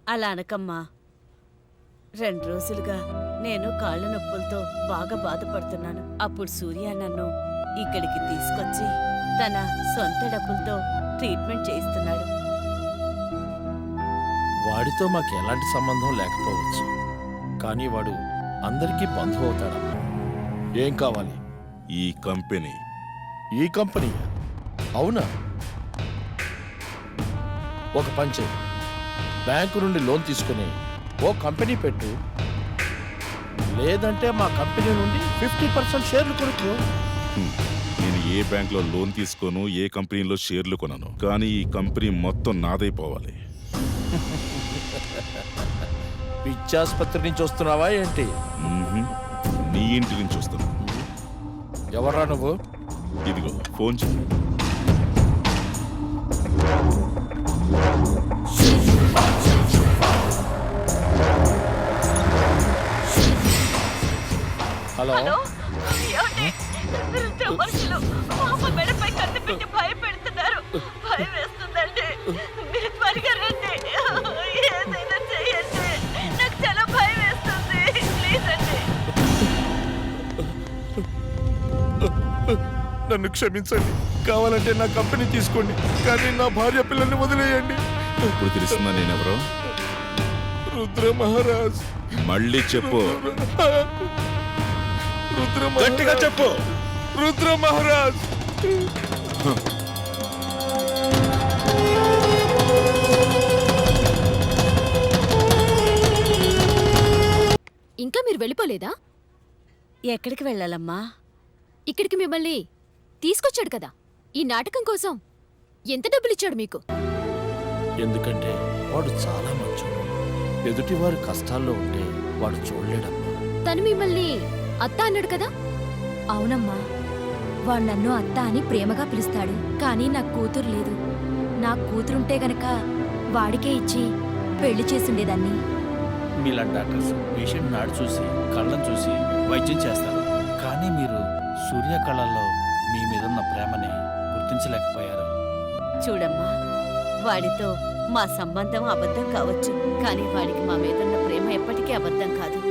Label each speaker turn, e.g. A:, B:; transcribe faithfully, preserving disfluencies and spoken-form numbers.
A: అలా అనకమ్మా. రెండు రోజులుగా నేను కాళ్ళ నొప్పులతో బాగా బాధపడుతున్నాను. అప్పుడు సూర్య నన్ను ఇక్కడికి తీసుకొచ్చి తన సొంత డబ్బులతో ట్రీట్మెంట్ చేయిస్తున్నాడు.
B: వాడితో మాకు ఎలాంటి సంబంధం లేకపోవచ్చు, కానీ వాడు అందరికీ బంధువు అవుతాడమ్మా. ఏం కావాలి?
C: ఈ కంపెనీ.
B: ఈ కంపెనీ? అవునా? ఒక పని చేయి, బ్యాంకు నుండి లోన్ తీసుకుని ఓ కంపెనీ పెట్టు, లేదంటే మా కంపెనీ నుండి ఫిఫ్టీ పర్సెంట్ షేర్లు కొనుక్కో.
C: హ్మ్. నేను ఏ బ్యాంక్లో లోన్ తీసుకోను, ఏ కంపెనీలో షేర్లు కొనను, కానీ ఈ కంపెనీ మొత్తం నాదైపోవాలి.
B: పిచ్చాసుపత్రి నుంచి వస్తున్నావా ఏంటి?
C: మ్మ్హ్మ్. నీ ఇంటి నుంచి వస్తున్నా.
B: ఎవర్రా నువ్వు?
C: ఇదిగో ఫోన్ చెయ్యి.
B: హలో.
A: ఏమండి? వృద్ధ మనుషులు మా అమ్మ మెడపై కత్తి పెట్టి భయపెడుతున్నారు. భయం వేస్తుందండి. మీరు త్వరగా రండి. ఏదైనా చేయండి. నాకు చాలా భయం వేస్తుంది. ప్లీజ్ అండి.
B: నన్ను క్షమించండి, కావాలంటే నా కంపెనీ తీసుకోండి, కానీ నా భార్య పిల్లల్ని వదిలేయండి.
C: ఇప్పుడు తెలుస్తుందా నేనెవరో?
B: రుద్ర మహారాజ్.
C: మళ్ళీ చెప్పు.
B: రుద్ర
C: గట్టిగా చెప్పు.
B: రుద్ర మహారాజ్.
D: ఇంకా మీరు వెళ్ళిపోలేదా?
A: ఎక్కడికి వెళ్ళాలమ్మా?
D: ఇక్కడికి మిమ్మల్ని తీసుకొచ్చాడు కదా, ఈ నాటకం కోసం. ఎంత డబ్బులిచ్చాడు మీకు?
B: ఎందుకంటే వాడు చాలా మంచోడు. ఎదుటివారు కష్టాల్లో ఉంటే వాడు చూడలేడమ్మా.
D: తను మిమ్మల్ని అత్త అన్నాడు కదా?
E: అవునమ్మా, వాడు నన్ను అత్త అని ప్రేమగా పిలుస్తాడు, కానీ నాకు కూతురు లేదు. నాకు కూతురుంటే గనక వాడికే ఇచ్చి పెళ్లి చేసుండేదాన్ని.
F: మీలాంటి డాక్టర్స్ పేషెంట్ నాడు చూసి కళ్ళను చూసి వైద్యం చేస్తారు, కానీ మీరు సూర్య కళల్లో మీ మీదున్న ప్రేమని గుర్తించలేకపోయారు.
A: చూడమ్మా, వాడితో మా సంబంధం అబద్ధం కావచ్చు, కానీ వాడికి మా మీదున్న ప్రేమ ఎప్పటికీ అబద్ధం కాదు.